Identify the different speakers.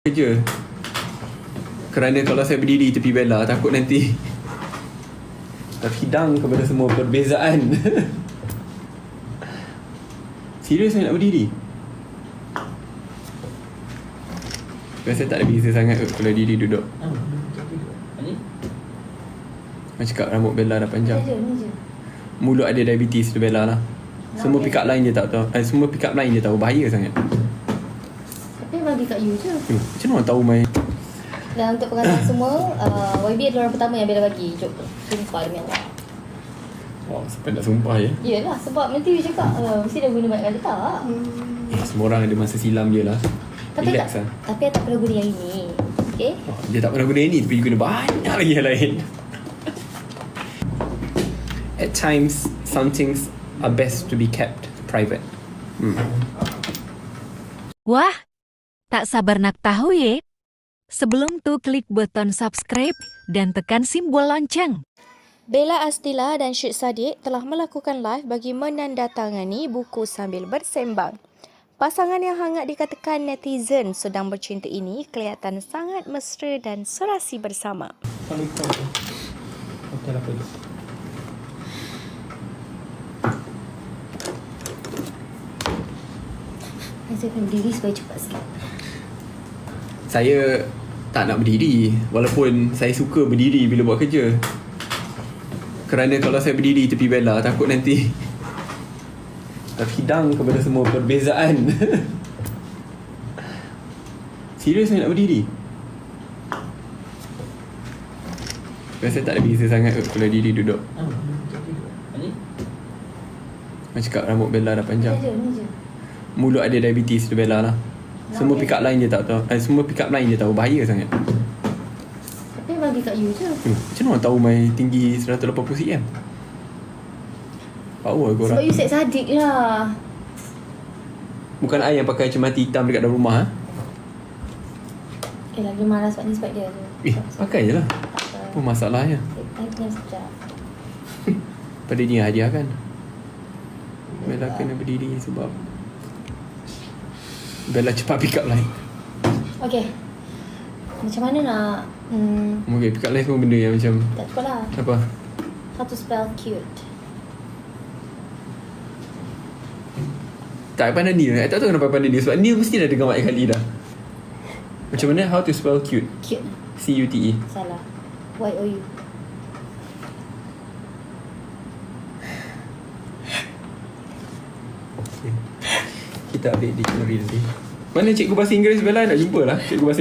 Speaker 1: kerja. Kerana kalau saya berdiri tepi Bella, takut nanti terhidang kepada semua perbezaan. Serius saya nak berdiri? Biasa tak ada beza sangat kalau diri duduk. Macam cakap rambut Bella dah panjang. Mulut ada diabetes tu Bella lah. Semua pick up line je tak tahu. Semua pick up line je tahu. Bahaya sangat.
Speaker 2: Tapi bagi kat you je.
Speaker 1: Macam mana orang tahu main?
Speaker 2: Dan untuk pengantar semua, YB adalah orang pertama yang Bella bagi joke tu. Sumpah demi Allah.
Speaker 1: Wah, sampai nak sumpah ya.
Speaker 2: Yelah, sebab nanti you cakap mesti dah guna banyak kali tak.
Speaker 1: Semua orang ada masa silam je lah.
Speaker 2: Tapi
Speaker 1: Relax
Speaker 2: tak,
Speaker 1: lah.
Speaker 2: tapi tak pernah guna yang ini. Okay?
Speaker 1: Dia tak pernah guna yang ni, tapi dia guna banyak lagi yang lain. At times, some things are best to be kept private.
Speaker 3: Wah, tak sabar nak tahu ya? Sebelum tu klik button subscribe dan tekan simbol lonceng.
Speaker 4: Bella Astila dan Syed Saddiq telah melakukan live bagi menandatangani buku sambil bersembang. Pasangan yang hangat dikatakan netizen sedang bercinta ini kelihatan sangat mesra dan serasi bersama.
Speaker 1: Hotel apa tu?
Speaker 2: Saya akan berdiri supaya cepat sikit.
Speaker 1: Saya tak nak berdiri, walaupun saya suka berdiri bila buat kerja. Kerana kalau saya berdiri tepi Bella, takut nanti terhidang kepada semua perbezaan. Serius saya nak berdiri? Biasa tak ada beza sangat kalau diri duduk. Macam cakap rambut Bella dah panjang.
Speaker 2: Ni je.
Speaker 1: Mulut ada diabetes tu Bella lah. Semua pick up line je tak tahu. Semua pick up line je tahu. Bahaya sangat.
Speaker 2: Tapi bagi kat you je.
Speaker 1: Macam mana orang tahu main tinggi 180 cm? Power korang.
Speaker 2: Sebab you Syed Saddiq lah.
Speaker 1: Bukan I yang pakai cermati hitam dekat dalam rumah.
Speaker 2: Okay lah, dia marah sebab ni sebab dia tu.
Speaker 1: Pakai je lah.
Speaker 2: Tak
Speaker 1: Apa masalahnya?
Speaker 2: I kena sekejap.
Speaker 1: Pada dia hadiah kan. Bella kena berdiri sebab Bella cepat pick up line.
Speaker 2: Okay. Macam mana nak...
Speaker 1: Okay, pick up line semua benda yang macam
Speaker 2: tak cukup lah.
Speaker 1: apa?
Speaker 2: How to spell cute.
Speaker 1: Tak pandai Neil. I tak tahu kenapa pandai Neil. Sebab Neil mesti dah dengar banyak kali dah. Macam mana how to spell cute?
Speaker 2: Cute.
Speaker 1: C-U-T-E.
Speaker 2: Salah. Y-O-U.
Speaker 1: Kita update dictionary nanti. Mana cikgu bahasa Inggeris Bella? Nak jumpa lah cikgu bahasa